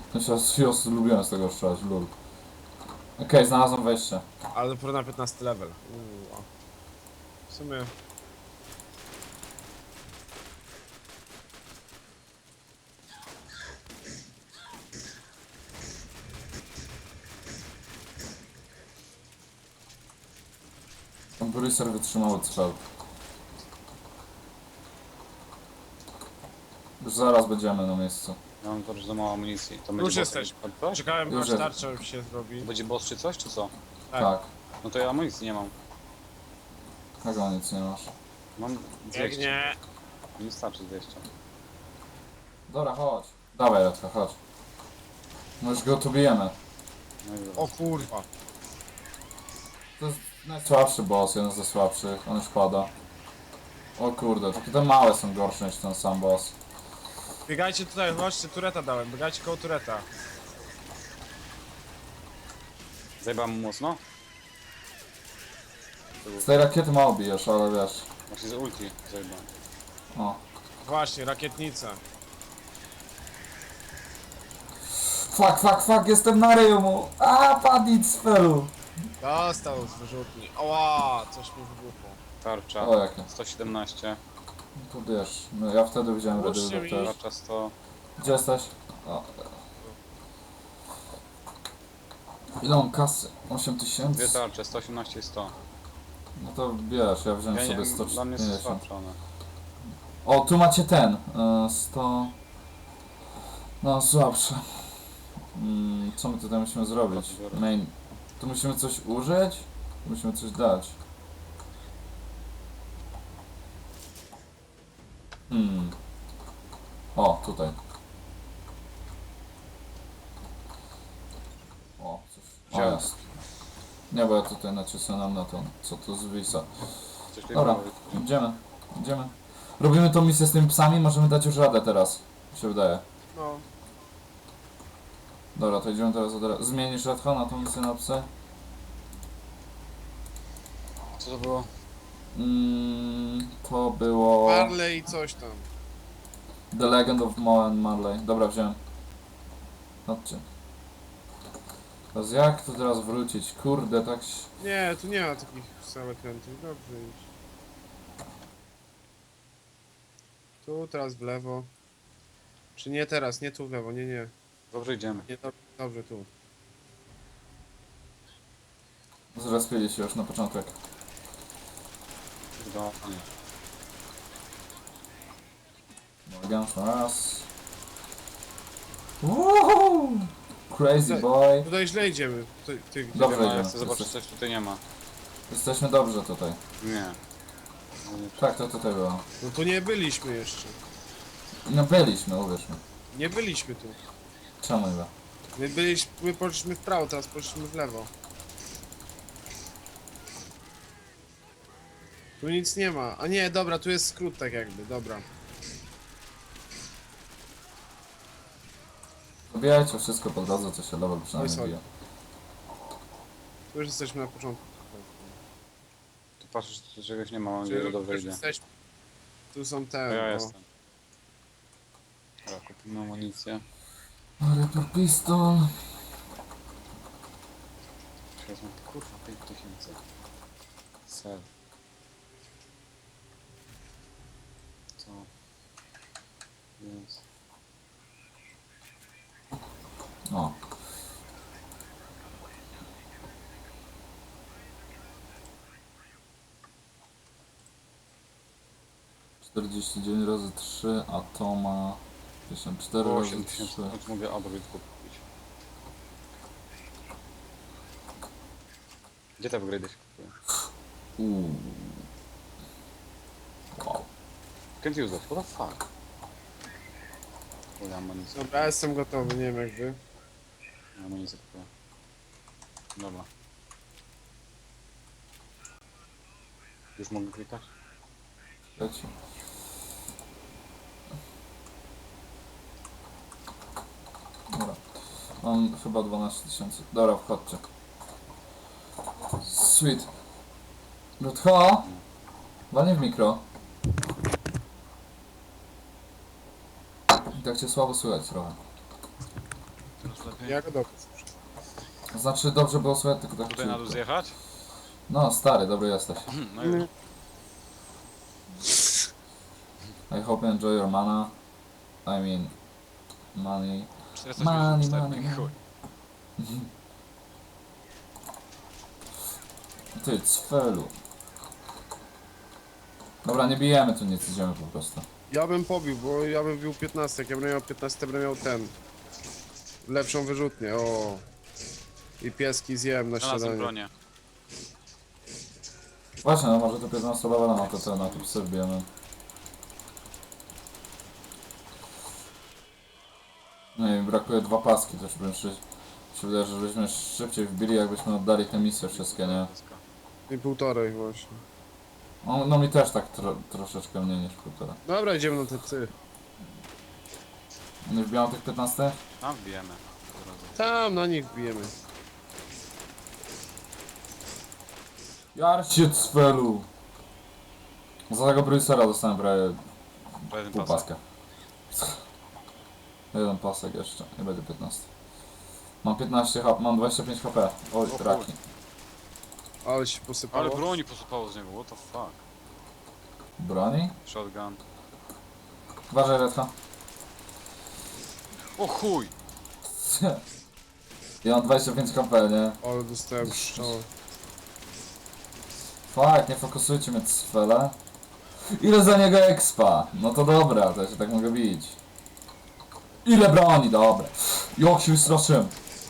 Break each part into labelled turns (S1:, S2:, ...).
S1: Ja lubiłem z tego strzelać, lul. Okej, znalazłem wejście.
S2: Ale dopiero na 15 level. A. W sumie...
S1: Bruiser wytrzymały strzał. Już zaraz będziemy na miejscu.
S3: Ja mam bardzo mało amunicji. To
S2: Już
S3: będzie
S2: jesteś.
S3: boss, ktoś?
S2: Czekałem
S1: Już
S2: aż
S1: jest.
S2: tarcza się zrobi.
S3: To będzie boss czy coś, czy co?
S2: Tak.
S1: Tak.
S3: No to ja amunicji nie mam.
S1: Czego nic nie masz?
S3: Mam 200.
S2: Biegnie.
S3: Nie starczy 200.
S1: Dobra, chodź. Dawaj, Radka, chodź. No już go tu bijemy.
S3: No i
S2: O kurwa.
S1: To jest najsłabszy boss, jeden ze słabszych. On już pada. O kurde, takie te małe są gorsze niż ten sam boss.
S2: Biegajcie tutaj, chodźcie, tureta dałem. Biegajcie koło tureta.
S3: Zajebałem mu mocno?
S1: Z tej rakiety mało bijesz, ale wiesz.
S3: Właśnie z ulti zajebałem.
S1: O.
S2: Właśnie, rakietnica.
S1: Fuck, jestem na ryju mu. A, padł z felu.
S2: Dostał z wyrzutni. Oła, coś mi wybuchło.
S3: Tarcza.
S1: O, jakie.
S3: 117.
S1: No to wiesz, no ja wtedy widziałem
S2: Puśćcie
S1: Redyl
S2: mi.
S1: też.
S3: Tarcza 100.
S1: Gdzie jesteś? O. Ile mam kasy? 8000?
S3: Dwie tarcze, 118 i 100.
S1: No to wiesz, ja wziąłem
S3: Ja
S1: sobie
S3: nie, dla mnie jest
S1: 150.
S3: słabsze one.
S1: O, tu macie ten. 100... No, słabsze. Co my tutaj musimy zrobić? Main. Tu musimy coś użyć? Tu musimy coś dać. O, tutaj. O, coś. O,
S3: Wziąłem.
S1: jest. Nie, bo ja tutaj nacisnąłem na to, co tu zwisa.
S3: Coś
S1: Dobra, idziemy. Robimy tą misję z tymi psami, możemy dać już radę teraz. Mi się wydaje.
S2: No.
S1: Dobra, to idziemy teraz od razu. Zmienisz Radko na tą misję na psy?
S3: Co to było?
S1: To było...
S2: Marley i coś tam.
S1: The Legend of Moe Marley. Dobra, wziąłem. Chodźcie. Teraz jak tu teraz wrócić? Kurde, tak...
S2: Nie, tu nie ma takich samokrętów. Dobrze iść. Tu, teraz w lewo. Czy nie teraz, nie tu w lewo, nie.
S3: Dobrze idziemy.
S2: Nie, dobrze tu.
S1: Zrespili się już na początek.
S3: Idealnie.
S1: Morgan raz. Woohoo! Crazy boy.
S2: Tutaj źle idziemy. Ty gdzie?
S1: Dobrze.
S3: Ja
S1: idziemy.
S3: chcę zobaczyć, coś tutaj nie ma.
S1: Jesteśmy dobrze tutaj.
S3: Nie. No nie.
S1: Tak, to tutaj było.
S2: No tu nie byliśmy jeszcze.
S1: No byliśmy, uwierz mi.
S2: Nie byliśmy tu.
S1: Czemu nie?
S2: My poszliśmy w prawo, teraz poszliśmy w lewo. Tu nic nie ma. A nie, dobra, tu jest skrót tak jakby, dobra.
S1: Zabijajcie wszystko po drodze, co się level
S2: Oj,
S1: przynajmniej
S2: sorry.
S1: bije.
S2: Tu już jesteśmy na początku.
S3: Tu patrzysz, tu czegoś nie ma, mam
S2: Czyli
S3: nadzieję, że
S2: już
S3: dobrze idzie.
S2: jesteśmy. Tu są
S3: To
S2: te.
S3: ja
S2: no.
S3: jestem. Dobra, kupimy amunicję.
S1: Reaper pistol.
S3: Wezmę, kurwa, 5000. Sel. Co? Jest.
S1: O. Czterdzieści dziewięć razy 3, a to ma 54 razy
S3: 8000,
S1: 3.
S3: choć mogę upgrade kupić. Gdzie te upgrade się kupuje?
S1: Wow.
S3: Can't use that, what the fuck? Kurde, amunicję.
S2: Dobra, ja jestem gotowy, nie wiem jak wy.
S3: Amunicję kupuję. Dobra. Już mogę klikać?
S1: Leci. Dobra. Mam chyba 12 000. Dobra, wchodźcie. Sweet. Rutho? Walnie w mikro. I tak cię słabo słychać trochę.
S3: lepiej.
S2: Ja go dopiero.
S1: Znaczy dobrze było słychać, tylko tak
S3: Tutaj na dół
S1: ciutko.
S3: zjechać?
S1: No stary, dobry jesteś.
S3: No już.
S1: I hope you enjoy your mana. I mean... Money.
S3: 484, chuj.
S1: Ty, cfelu. Dobra, nie bijemy tu nic, idziemy po prostu.
S2: Ja bym pobił, bo ja bym bił 15. Jak ja bym miał 15, bym miał ten. Lepszą wyrzutnię, o. I pieski zjem na
S3: Znalazłem
S2: śniadanie.
S3: bronię.
S1: Właśnie, no może to 15 levela na to, na to psy wbijemy. No i brakuje 2 paski, też bym się wydaje, że żebyśmy szybciej wbili, jakbyśmy oddali te misje wszystkie, nie?
S2: I półtorej właśnie.
S1: No mi też tak troszeczkę mniej niż 1,5.
S2: Dobra, idziemy na te psy.
S1: Nie wbijam tych 15?
S3: Tam wbijemy. Od razu.
S2: Tam na nich bijemy.
S1: Jarcie cfelu! Za tego Bruisera dostałem prawie
S3: Jeden
S1: pół
S3: pasek.
S1: paska. Jeden pasek jeszcze, nie będzie 15. Mam 15 HP, mam 25 HP. Oj,
S3: O
S1: traki.
S2: Ale się posypało.
S3: Ale broni posypało z niego, what the fuck.
S1: Broni?
S3: Shotgun.
S1: Uważaj, Redka.
S3: O chuj!
S1: Ja mam 25 HP, nie?
S2: Ale dostałem strzał.
S1: Fuck, nie fokusujcie mnie cfele. Ile za niego expa? No to dobra, to ja się tak mogę bić. Ile broni? Dobra. Jak się wystraszyłem.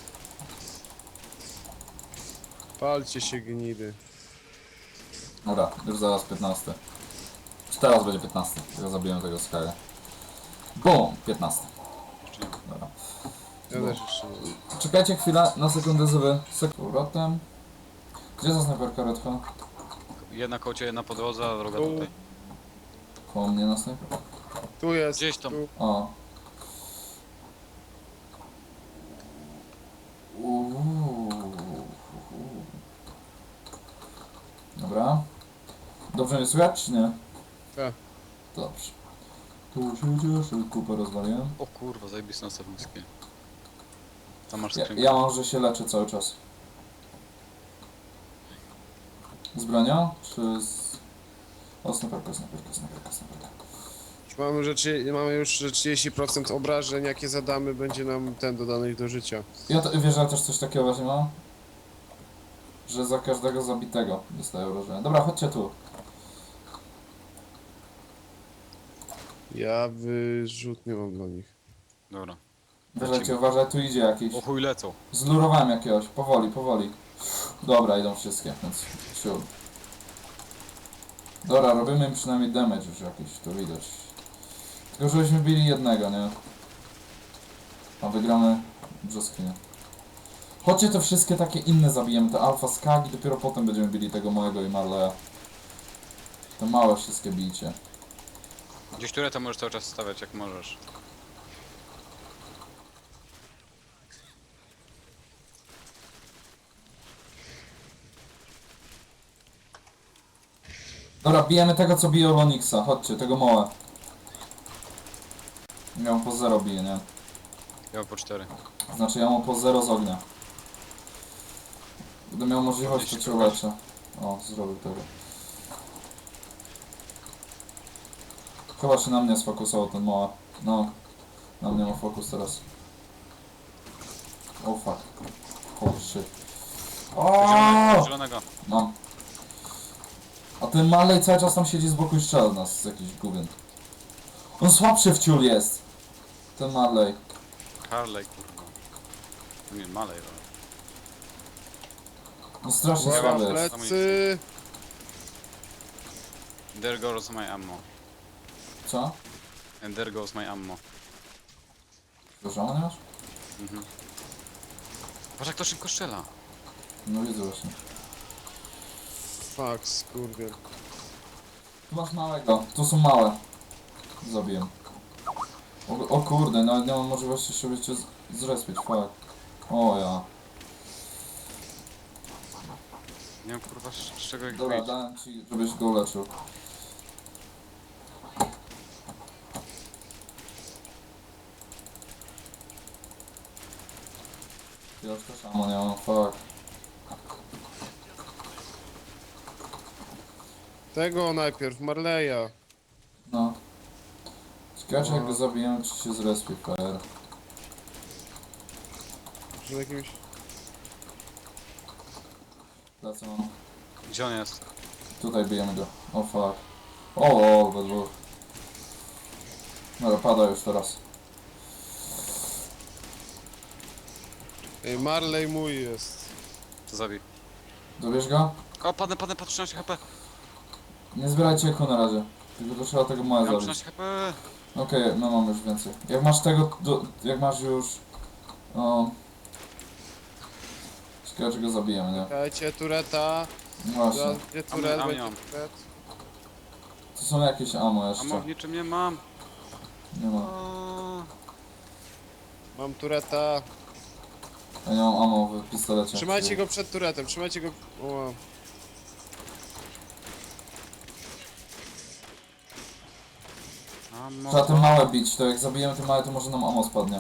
S2: Palcie się gnidy.
S1: Dobra, już zaraz 15. Czy teraz będzie 15? Ja zabiłem tego Sky'a. Boom! 15.
S3: Jeszcze nie.
S1: Dobra.
S2: Ja też jeszcze nie.
S1: Czekajcie chwilę, na sekundę sobie. Powrotem. Gdzie za snajperka Redka?
S3: Jedna koło ciebie na podłodze, a druga
S2: Tu.
S3: tutaj.
S1: Koło mnie na snajperka.
S2: Tu jest.
S3: Gdzieś tam.
S2: Tu.
S1: O. Uuu. Dobra. Dobrze mnie słychać, czy nie?
S2: Tak.
S1: Dobrze. Tu się cieszę, kupę rozwaliłem.
S3: O kurwa, zajebiste nastawnickie. Tam masz
S1: Ja,
S3: skrzynkę.
S1: ja mam, że się leczę cały czas. Z bronią? Czy z... O, snajperka.
S2: Mamy już że 30% obrażeń, jakie zadamy, będzie nam ten dodanych do życia.
S1: Ja wiesz, że ja też coś takiego właśnie mam? Że za każdego zabitego dostaję obrażenia. Dobra, chodźcie tu.
S2: Ja wyrzutnie mam dla nich.
S3: Dobra.
S1: Uważajcie, uważaj, tu idzie jakiś.
S3: O chuj lecą.
S1: Zlurowałem jakiegoś, powoli. Dobra, idą wszystkie, więc siur. Dobra, robimy im przynajmniej damage już jakiś, to widać. Tylko żebyśmy bili jednego, nie? A wygramy brzoskwinie. Chodźcie te wszystkie takie inne zabijemy, te alfa skag i dopiero potem będziemy bili tego małego i Marleya. Te małe wszystkie bijcie.
S3: Gdzieś tureta możesz cały czas stawiać jak możesz.
S1: Dobra, bijemy tego co bije Olonixa, chodźcie, tego małe. Ja mu po 0 bije, nie?
S3: Ja mam po 4.
S1: Znaczy ja mu po 0 z ognia. Gdy miał możliwość, to cię uleczę. O, zrobił tego. Chyba się na mnie sfokusował ten mała. No, na mnie ma fokus teraz. Oh fuck. Holy shit. O!
S3: Zielonego.
S1: Mam. A ten Marley cały czas tam siedzi z boku i strzela w nas z jakiś gubien. On słabszy w ciul jest. Ten Marley.
S3: Harley kurwa. Nie, Malej. ale-
S1: No strasznie
S2: Uwaga,
S1: słaby jest.
S2: plecy!
S3: There goes my ammo.
S1: Co?
S3: And there goes my ammo.
S1: Dużo nie masz?
S3: Mhm. Patrz jak to szybko strzela.
S1: No widzę właśnie.
S2: Fuck, skurwiel.
S1: Tu masz małego. Tu są małe. Zabiję. O kurde, nawet nie mam możliwości sobie cię zrespić, fuck. O ja.
S3: Nie wiem kurwa z czego ich
S1: Dobra,
S3: wyjść.
S1: dałem ci, żebyś go uleczył. Ja już też ammo nie mam, fuck.
S2: Tego najpierw, Marleya.
S1: No. Ciekawe, jak
S2: No.
S1: go zabijemy, czy się zrespi fair.
S2: Że jakimś...
S1: Lecę mam.
S3: Gdzie on jest?
S1: Tutaj bijemy go. O fuck. O, we dwóch. Dobra, pada już teraz.
S2: Ej, Marley mój jest.
S3: To zabij.
S1: Dobierz go?
S3: O, padnę, 13 HP.
S1: Nie zbierajcie eku na razie. Tylko to trzeba tego małe
S3: Ja mam
S1: zabić.
S3: 13 HP.
S1: Okej, no mam już więcej. Jak masz tego, jak masz już... O... Ciekawe, czy go zabijemy, nie?
S2: Dajcie tureta.
S1: No właśnie.
S2: Zaraz będzie turet,
S3: A
S2: będzie
S3: mam.
S2: turet.
S1: To są jakieś ammo
S3: A
S1: jeszcze.
S3: w niczym nie mam.
S1: Nie ma.
S3: O,
S2: Mam tureta.
S1: Ja nie mam ammo w pistolecie.
S2: Trzymajcie go przed turetem, trzymajcie go... O,
S1: Trzeba te małe bić, to jak zabijemy te małe, to może nam ammo spadnie.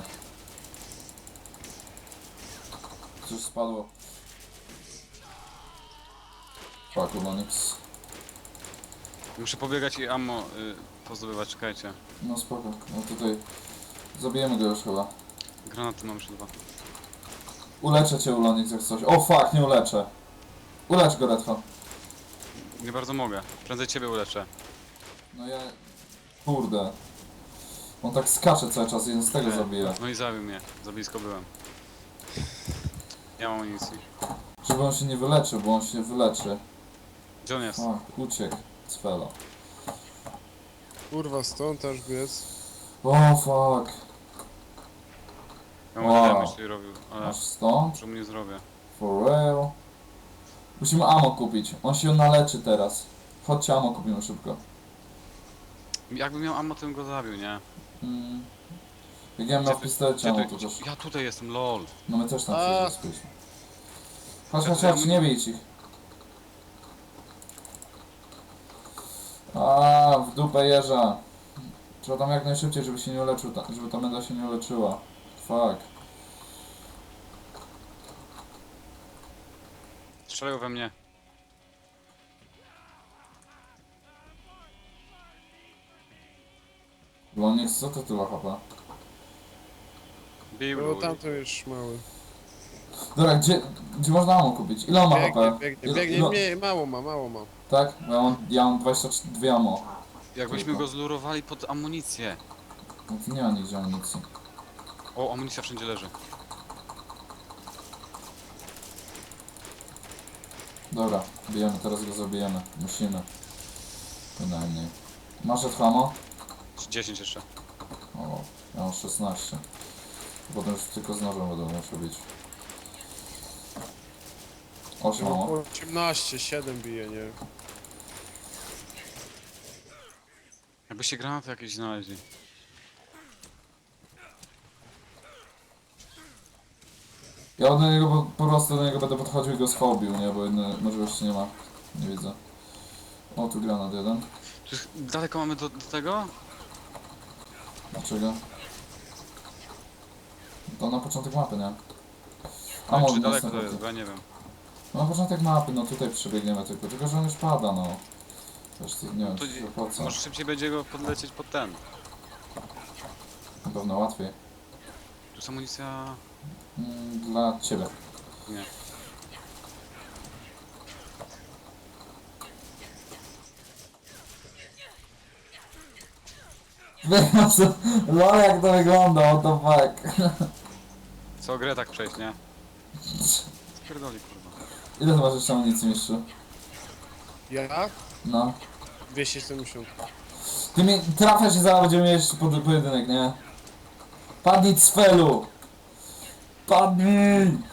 S1: Coś spadło. Fuck, Ulonix.
S3: Muszę pobiegać i ammo pozdobywać, czekajcie.
S1: No spoko, no tutaj... Zabijemy go już chyba.
S3: Granaty mam już 2.
S1: Uleczę cię, Ulonix, jak coś. O fuck, nie uleczę. Ulecz go, Redfo.
S3: Nie bardzo mogę. Prędzej ciebie uleczę.
S1: No ja... Kurde. On tak skacze cały czas, jeden z tego zabija.
S3: No i zabił mnie. Za blisko byłem. Nie mam amunicji.
S1: Żeby on się nie wyleczył, bo on się wyleczy.
S3: Gdzie on jest?
S1: Fuck, uciekł. Cfelo.
S2: kurwa, stąd aż biec.
S1: O fuck.
S3: Ja mogę
S1: Wow.
S3: damage robił, ale
S1: Masz stąd?
S3: że mu nie zrobię.
S1: For real? Musimy ammo kupić. On się naleczy teraz. Chodźcie, ammo kupimy szybko.
S3: Jakbym miał ammo, to bym go zabił, nie?
S1: Mm. Jak ja miał w pistolecie ammo, to też...
S3: Ja tutaj jestem, lol.
S1: No my też tam
S2: A.
S1: się zespiliśmy. Chodź, nie bij ich. A, w dupę jeża. Trzeba tam jak najszybciej, żeby się nie uleczył, żeby ta menda się nie uleczyła. Fuck.
S3: Strzelają we mnie.
S1: Lonix, co to tyle HP?
S3: Bił
S2: No
S3: ludzi.
S2: tamto już mały.
S1: Dobra, gdzie można ammo kupić? Ile on ma
S2: Biegnie,
S1: HP?
S2: biegnie,
S1: Ile-
S2: biegnie,
S1: no,
S2: nie, mało ma, mało ma.
S1: tak? Bo ja mam 22 ammo.
S3: Jakbyśmy
S1: Tylko.
S3: go zlurowali pod amunicję.
S1: No to nie ma nigdzie amunicji.
S3: O, amunicja wszędzie leży.
S1: Dobra, bijemy, teraz go zabijemy. Musimy. Bynajmniej. Masz ammo?
S3: 10 jeszcze.
S1: O, ja mam 16. Potem już tylko z nożem będę musiał bić. 8 ammo.
S2: 18, 7 bije, nie?
S3: Jakbyście granaty jakieś znaleźli.
S1: Ja do niego po prostu do niego będę podchodził i go schobił, nie? Bo innej możliwości nie ma. Nie widzę. O, tu granat jeden.
S3: Czy daleko mamy do tego?
S1: Dlaczego? To na początek mapy, nie?
S3: A
S1: może
S3: czy daleko
S1: następny.
S3: to jest? Bo ja nie wiem.
S1: No na początek mapy, no tutaj przebiegniemy tylko że on już pada, no. Wiesz, to nie wiem,
S3: To
S1: czy po co.
S3: może szybciej będzie go podlecieć pod ten.
S1: Na pewno łatwiej.
S3: Tu jest amunicja...
S1: Dla ciebie.
S3: Nie.
S1: No jak to wygląda, what the fuck.
S3: Co grę tak przejść, nie? Spierdoli, kurwa.
S1: Ile ty masz jeszcze amunicji, mistrzu?
S2: Ja?
S1: No.
S2: 270.
S1: Ty mi trafiasz i zaraz będziemy mieć pojedynek, nie? Padnij cfelu! Padnij!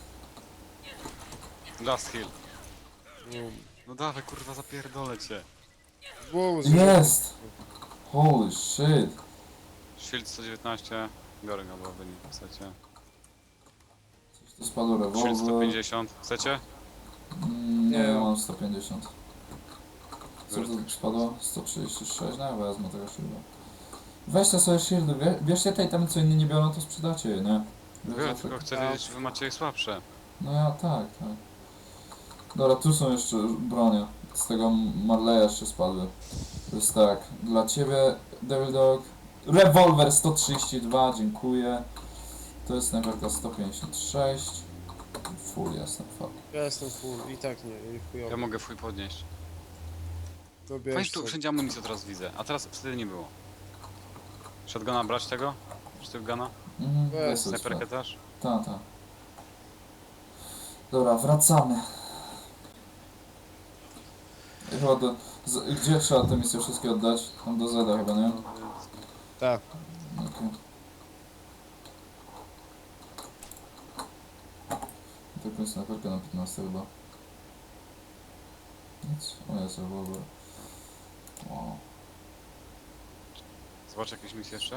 S3: Last heal.
S2: No,
S3: No dawaj, kurwa, zapierdolę cię.
S2: wow,
S1: Jest! Holy shit.
S3: Shield 119. Biorę go, bo wynik w secie.
S1: Coś tu spadło
S3: Shield
S1: rewolwer.
S3: 150. Chcecie?
S1: Nie,
S2: Nie.
S1: ja mam 150. Co tu spadło? 136? No ja wezmę tego shielda. Weźcie sobie shieldy, bierzcie tej tam co inni nie biorą, to sprzedacie je, nie?
S3: Biorę, tylko chcę wiedzieć, czy wy macie je słabsze.
S1: No ja tak. Dobra, tu są jeszcze bronie. Z tego Marleya jeszcze spadły. To jest tak, dla ciebie Devil Dog. Rewolwer 132, dziękuję. To jest snajperka 156. Full jestem, fuck.
S2: Ja jestem full i tak nie, i chujowo.
S3: Ja mogę fuj podnieść.
S2: To
S3: Fajnie,
S2: bierz
S3: tu
S2: sobie.
S3: wszędzie amunicję teraz widzę, a teraz wtedy nie było. Shotguna brać tego? Shotguna?
S1: Mhm,
S2: Weź
S1: weź sobie
S3: Snajperkę
S1: sprawdź.
S3: też?
S1: Tak. Dobra, wracamy. I chyba gdzie trzeba te misje wszystkie oddać? Tam do Zeda chyba, nie?
S2: Tak.
S1: Okej. Taką snajperkę na 15 chyba. Nic. O, jest rewolwer. Wow.
S3: Zobacz jakieś misje jeszcze?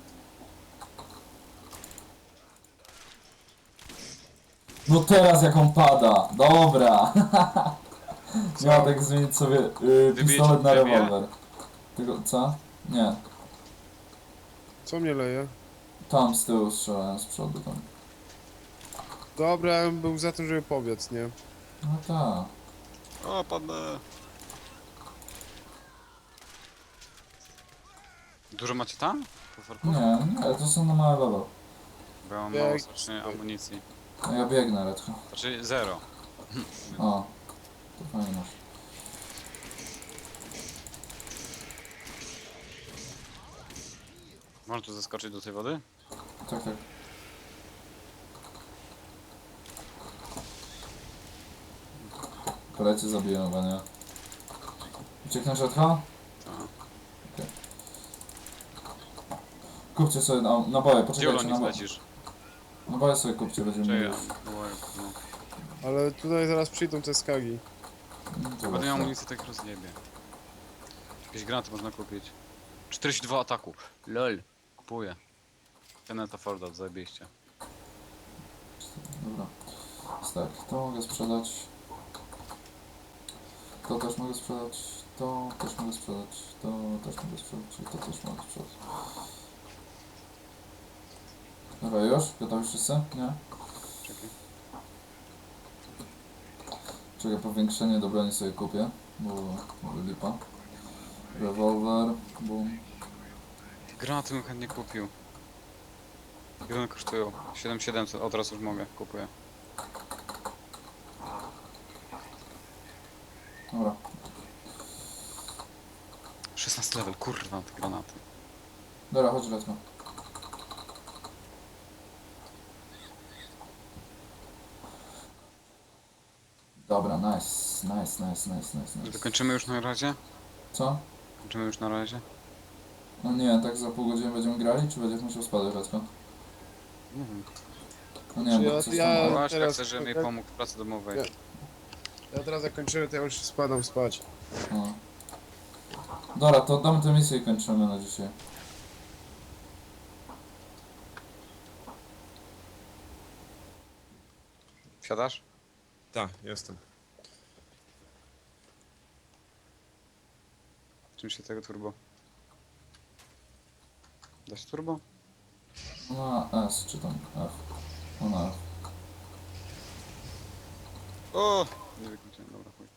S1: No teraz jak on pada! Dobra!
S2: Co?
S1: Miał tak zmienić sobie pistolet na
S3: wybije?
S1: rewolwer. Tylko co? Nie.
S2: Co mnie leje?
S1: Tam z tyłu strzelałem z przodu tam.
S2: Dobra, ja bym był za tym, żeby pobiec, nie?
S1: No tak.
S3: O, padnę. Dużo macie tam? Potworków?
S1: Nie, to są na małe level.
S3: Bo ja mam
S2: Jak-
S3: mało strasznie amunicji.
S1: No ja biegnę redko.
S3: Znaczy zero.
S1: O. To fajnie masz.
S3: Można tu zaskoczyć do tej wody?
S1: Tak, tak. Koledzy zabiję chyba, nie? Ucieknę rzadko?
S3: Tak.
S1: Kupcie sobie naboje,
S3: Gdzie
S1: poczekajcie,
S3: Olonis lecisz?
S1: naboje sobie kupcie, będziemy
S3: Czy ja?
S1: mieli.
S3: No.
S2: Ale tutaj zaraz przyjdą te skagi.
S1: To
S3: Będę
S1: właśnie.
S3: miał amunicję, tak rozjebie. Jakieś granaty można kupić. 42 ataku. LOL. Kupuję. Kenneta Forda, zajebiście.
S1: Dobra. Więc tak, to mogę sprzedać. To też mogę sprzedać. To też mogę sprzedać. To też mogę sprzedać. I to też mogę sprzedać. Dobra, już? Gotowi wszyscy? Nie?
S3: Czekaj.
S1: Czekaj, powiększenie do broni sobie kupię, bo lipa. Rewolwer, boom.
S3: Granaty bym chętnie kupił. Ile one kosztują? 7700, od razu już mogę, kupuję.
S1: Dobra.
S3: 16 level, kurwa, te granaty.
S1: Dobra, chodź lecimy. Dobra, nice.
S3: Dokończymy już na razie?
S1: Co?
S3: Kończymy już na razie?
S1: No nie, tak za pół godziny będziemy grali, czy będziesz musiał spadać rzadko?
S3: Nie wiem.
S1: No nie,
S2: Czy
S1: bo
S2: ja-
S1: coś
S2: ja-
S1: tam...
S3: Właśnie
S2: teraz-
S3: chcę, żeby mi pomógł w pracy domowej.
S2: Nie. Ja teraz jak kończymy, to ja już spadam spać.
S1: No. Dobra, to oddamy tę misję i kończymy na dzisiaj.
S3: Wsiadasz?
S2: Tak, jestem.
S3: Czym się tego turbo? Da się turbo?
S1: No na S, czy tam F. No na F.
S3: O! Nie wykończyłem, dobra, chuj.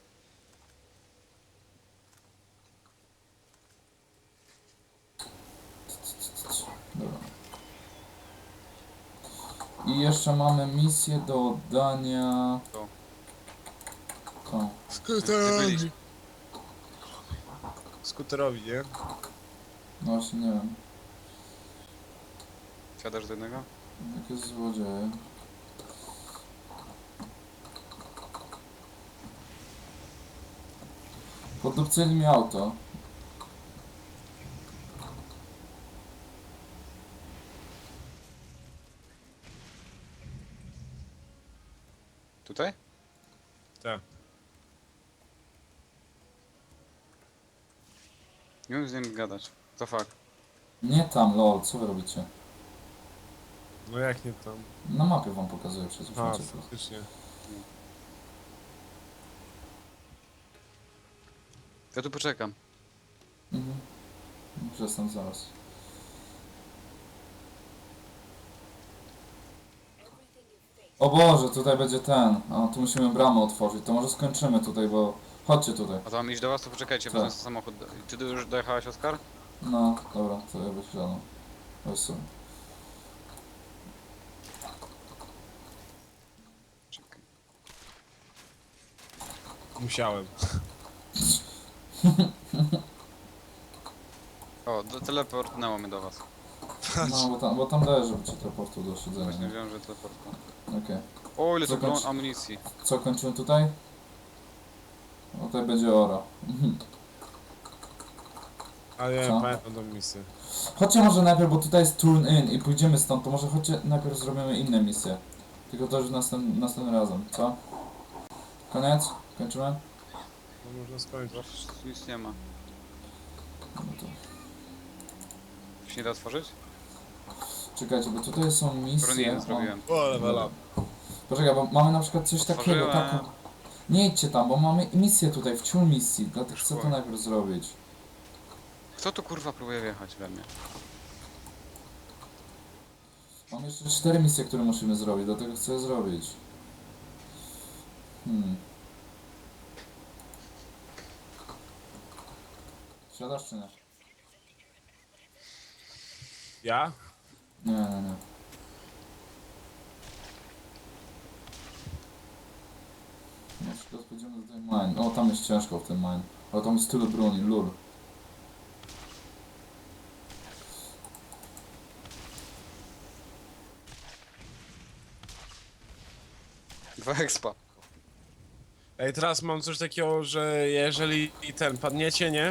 S1: Dobra. I jeszcze mamy misję do oddania...
S3: To.
S1: To.
S3: Skuterowi.
S2: Skuterowi, nie?
S1: No właśnie nie wiem.
S3: Wsiadasz do jednego?
S1: Jakie złodzieje. Podupcyli mi auto.
S3: Tutaj?
S2: Tak.
S3: Nie umiem z nim gadać. To fuck.
S1: Nie tam, lol, co wy robicie?
S2: No jak nie tam?
S1: Na mapie wam pokazuję przecież.
S2: A,
S1: macie to.
S2: faktycznie.
S3: Ja tu poczekam.
S1: Mhm. Już jestem zaraz. O Boże, tutaj będzie ten. O, tu musimy bramę otworzyć. To może skończymy tutaj, bo... Chodźcie tutaj.
S3: A to mam iść do was, to poczekajcie,
S1: Tak.
S3: wezmę sobie samochód. Czy ty już dojechałeś, Oskar?
S1: No, dobra, to ja wysiadam. Weź sobie.
S3: Czekaj.
S2: Musiałem.
S3: O, teleportnęło mnie do was.
S1: No, bo tam daje, żeby cię teleportu do siedzenia.
S3: Właśnie
S1: nie?
S3: wiem, że teleportnęło.
S1: Okej.
S3: O, ile tu
S1: Zakończ-
S3: amunicji.
S1: Co, kończymy tutaj? O, tutaj będzie ora.
S2: Ale ja
S1: Co?
S2: pamiętam tą misję.
S1: Chodźcie może najpierw, bo tutaj jest turn in i pójdziemy stąd, to może chodźcie najpierw zrobimy inne misje. Tylko to już następnym razem, co? Koniec? Kończymy?
S2: No można skończyć.
S3: Zawsze nic nie ma.
S1: No to...
S3: Się nie da otworzyć?
S1: Czekajcie, bo tutaj są misje...
S3: Broniłem, zrobiłem.
S2: O, level up.
S1: Poczekaj, bo mamy na przykład coś takiego,
S3: Otworzyłem.
S1: taką... Nie idźcie tam, bo mamy misję tutaj, wciół misji, dlatego chcę to
S3: Szkoda.
S1: najpierw zrobić.
S3: Kto tu kurwa próbuje wjechać we mnie?
S1: Mam jeszcze 4 misje, które musimy zrobić, dlatego chcę je zrobić. Siadasz czy nie?
S2: Ja?
S1: Nie, nie, nie. Na przykład pójdziemy do tej mine. O, tam jest ciężko w tym mine. Ale tam jest tyle broni, lul.
S3: Dwa expa.
S2: Ej, teraz mam coś takiego, że jeżeli ten padniecie, nie?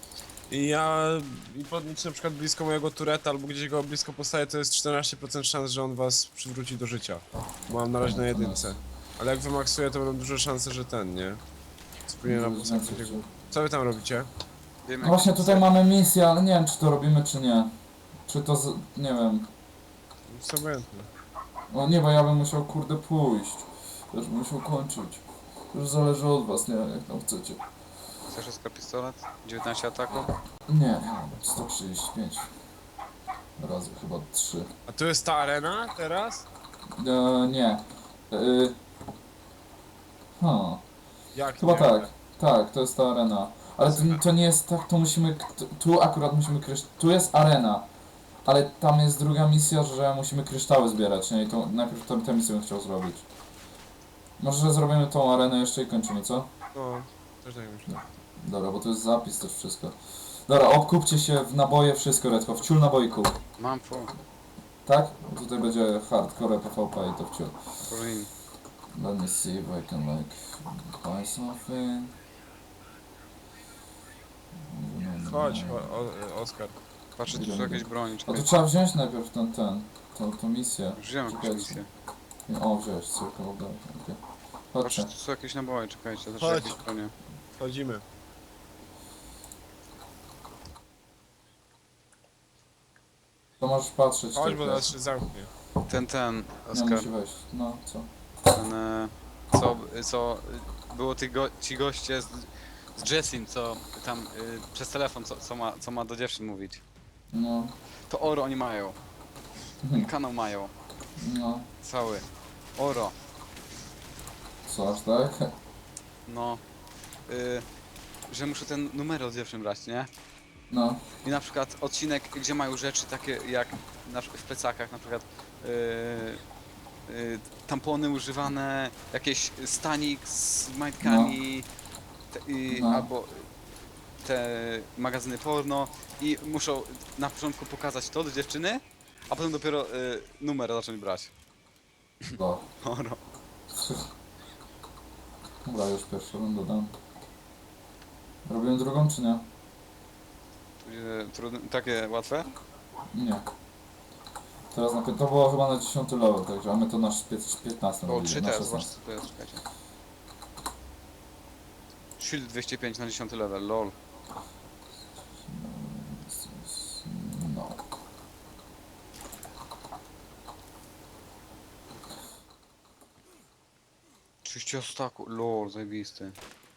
S2: I podniecie na przykład blisko mojego tureta albo gdzieś go blisko postawię, to jest 14% szans, że on was przywróci do życia. Bo mam na razie na jedynce. Ale jak wymaksuję, to będą duże szanse, że ten, nie? Spróbuję nam postawić takiego. Co wy tam robicie?
S3: Wiem,
S1: No właśnie
S3: jak-
S1: tutaj mamy misję, ale nie wiem czy to robimy czy nie. Czy to z... nie wiem.
S2: Jest obojętne.
S1: O nie, bo ja bym musiał kurde pójść. Też bym musiał kończyć. To już zależy od was, nie wiem jak tam chcecie.
S3: Chcesz Oskar pistolet? 19 ataków?
S1: Nie, 135. Razy chyba 3.
S2: A tu jest ta arena teraz?
S1: Nie. Ha.
S2: Jak
S1: Chyba
S2: nie?
S1: tak. Tak, to jest ta arena. Ale to nie jest tak, to musimy... Tu akurat musimy tu jest arena. Ale tam jest druga misja, że musimy kryształy zbierać, nie? I to najpierw tę misję bym chciał zrobić. Może zrobimy tą arenę jeszcze i kończymy, co?
S2: No, też tak myślę.
S1: Dobra, bo to jest zapis też wszystko. Dobra, obkupcie się w naboje wszystko, Redko. Wciul naboi kup.
S3: Mam full.
S1: Tak? Tutaj będzie hardcore PvP i to wciul.
S3: Green.
S1: Let me see if I can like buy something.
S2: Chodź, Oskar.
S3: Patrzę, czy tu jakieś broni.
S1: A
S3: Czekaj.
S1: to trzeba wziąć najpierw tą misję.
S3: Już wziąłem jakąś
S1: Czekajcie.
S3: misję.
S1: O, wziąłeś, circle of death, okej.
S3: Patrzę,
S1: Chodźcie.
S3: tu są jakieś naboje, czekajcie. Też
S2: Chodź.
S3: jakieś bronie.
S2: Chodzimy.
S1: To możesz patrzeć.
S2: Chodź,
S1: tylko.
S2: bo nas się zamknie.
S3: Ten,
S1: Nie,
S3: Oskar.
S1: musi wejść. No, co?
S3: Ten, co było ci goście z Jessim, co tam przez telefon, co ma do dziewczyn mówić.
S1: No.
S3: To Oro oni mają.
S1: Mhm.
S3: Kanał mają.
S1: No.
S3: Cały. Oro.
S1: Co, aż tak?
S3: No. Że muszę ten numer od dziewczyn brać, nie?
S1: No.
S3: I na przykład odcinek, gdzie mają rzeczy takie jak w plecakach, na przykład tampony używane, jakieś stanik z majtkami,
S1: No.
S3: albo te magazyny porno i muszą na początku pokazać to do dziewczyny, a potem dopiero numer zacząć brać.
S1: Bo.
S3: Oro.
S1: Dobra, już pierwszy rundę dam. Robimy drugą, czy nie?
S3: Takie łatwe?
S1: Nie. Teraz to było chyba na 10 level, także a my to na 15
S3: O,
S1: robili,
S3: 3
S1: na
S3: teraz, zobacz
S1: 16.
S3: co to jest, czekajcie. Shield 205 na 10 level, lol.
S1: No.
S3: Oczywiście staku, lol, zajebisty.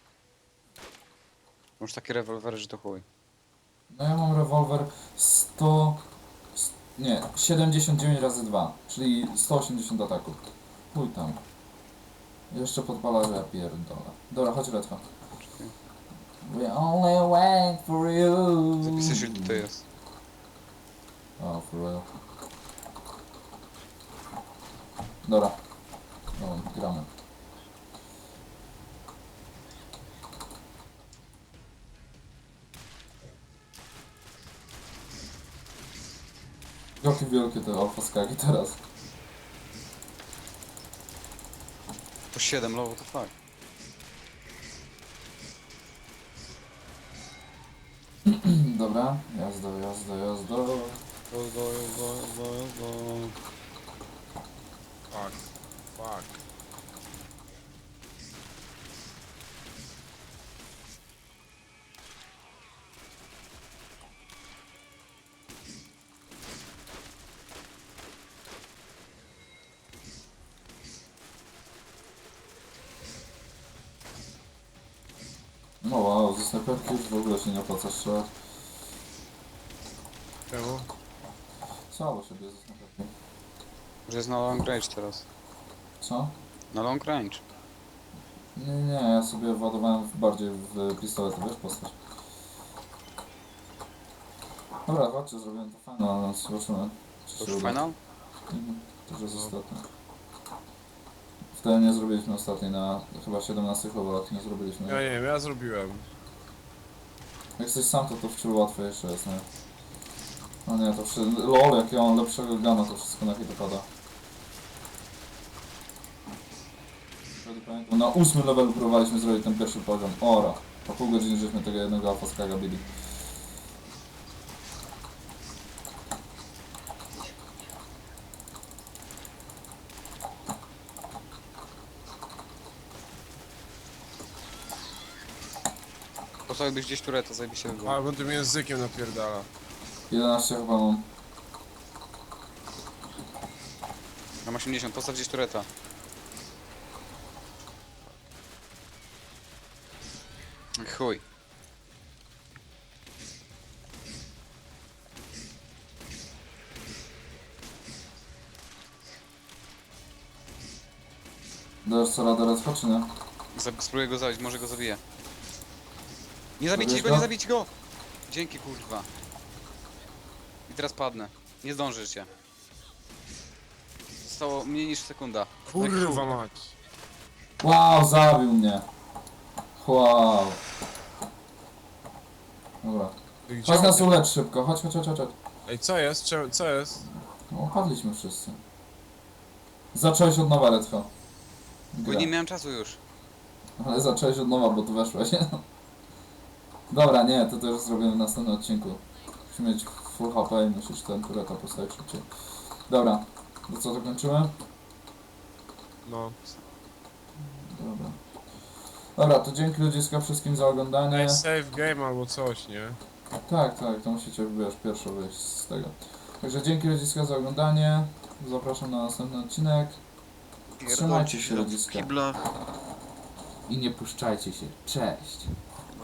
S3: Masz takie rewolwery, że to chuj.
S1: No ja mam rewolwer 100... Nie, 79 razy 2, czyli 180 ataków. Chuj tam. Jeszcze podpala, że ja pierdolę. Dobra, chodź Redfa. We only wait for you.
S3: Zapisać, że tutaj jest.
S1: O, for real. Dobra. No, gramy. Jakie wielkie te alfa skagi teraz.
S3: Po 7 low, to fuck.
S1: Dobra, jazda, jazda, jazda.
S2: Fuck. Fuck.
S1: No wow, ze snajperki już w ogóle się nie opłaca strzelać.
S2: Czemu?
S1: Słabo się bije ze snajperki.
S3: Że jest na long range teraz.
S1: Co?
S3: Na long range.
S1: Nie, nie, ja sobie władowałem bardziej w pistolet, wiesz, postać. Dobra, chodźcie, zrobiłem to fajne, ale zobaczymy. Czy
S3: To
S1: się
S3: już
S1: uda.
S3: final?
S1: To już jest ostatnie. Wtedy nie zrobiliśmy ostatniej na chyba 17 chłopak, nie zrobiliśmy.
S2: Ja nie wiem, ja zrobiłem.
S1: Jak jesteś sam, to wciąż łatwiejsze jest, nie? No nie, to wszystko... LOL, jak ja mam lepszego gana, to wszystko na hita pada. Wtedy pamiętam, na 8 levelu próbowaliśmy zrobić ten pierwszy poziom. Ora. Po pół godziny żeśmy tego jednego alfa skaga bili.
S3: Postawiłbyś gdzieś tureta, zajebiście by było.
S2: A, bo tym językiem napierdala.
S1: 11 chyba mam.
S3: Mam 80, postaw gdzieś tureta. Chuj.
S1: Dasz co radę raz, czy nie?
S3: Spróbuję go zabić, może go zabiję. Nie zabijcie
S1: Zabijesz
S3: go,
S1: go?
S3: nie zabijcie go! Dzięki kurwa. I teraz padnę. Nie zdążycie. Zostało mniej niż sekunda.
S2: Kurwa mać.
S1: Wow, zabił mnie. Wow. Dobra.
S2: Ty gdzie
S1: Chodź
S2: on-
S1: nas ulecz szybko, chodź, chodź, chodź, chodź.
S2: Ej, co jest? Co jest?
S1: No, padliśmy wszyscy. Zacząłeś od nowa, Redfo.
S3: Bo nie miałem czasu już.
S1: Ale zacząłeś od nowa, bo tu weszłeś. Dobra, nie, to też zrobimy w następnym odcinku. Musimy mieć full HP i musisz ten tureta postawić szybciej. Dobra, to co, to kończymy?
S2: No.
S1: Dobra. Dobra, to dzięki ludziska wszystkim za oglądanie.
S2: Ej, save game albo coś, nie?
S1: Tak, tak, to musicie, wiesz, pierwsze wyjść z tego. Także dzięki ludziska za oglądanie. Zapraszam na następny odcinek. Trzymajcie się ludziska.
S3: Kibla.
S1: I nie puszczajcie się. Cześć.